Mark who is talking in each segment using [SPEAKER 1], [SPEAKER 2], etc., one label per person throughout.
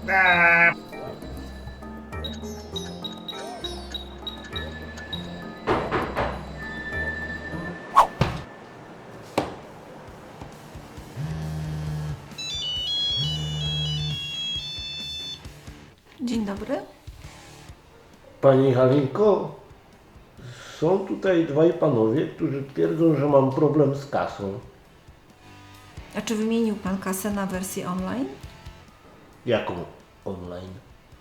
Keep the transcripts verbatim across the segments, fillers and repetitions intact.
[SPEAKER 1] Dzień dobry.
[SPEAKER 2] Pani Halinko, są tutaj dwaj panowie, którzy twierdzą, że mam problem z kasą.
[SPEAKER 1] A czy wymienił Pan kasę na wersję online?
[SPEAKER 2] Jaką online?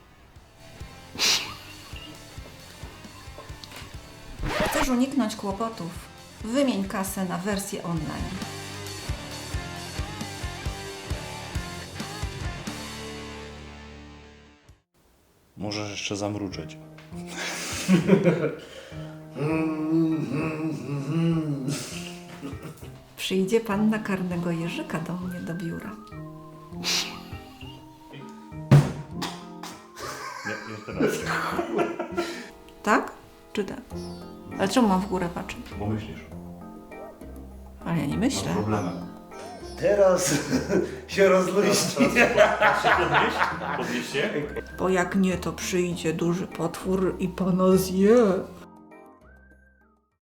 [SPEAKER 1] Chcesz uniknąć kłopotów? Wymień kasę na wersję online.
[SPEAKER 3] Możesz jeszcze zamruczeć.
[SPEAKER 1] Przyjdzie Pan na karnego jeżyka do mnie do biura.
[SPEAKER 3] Nie, jeszcze raz.
[SPEAKER 1] Tak? Czy tak? Ale czemu mam w górę patrzeć?
[SPEAKER 3] Bo myślisz.
[SPEAKER 1] Ale ja nie myślę.
[SPEAKER 3] Problemem.
[SPEAKER 2] Teraz się rozluźni.
[SPEAKER 3] Podnieś? Podnieś się?
[SPEAKER 1] Bo jak nie, to przyjdzie duży potwór i Pana zje.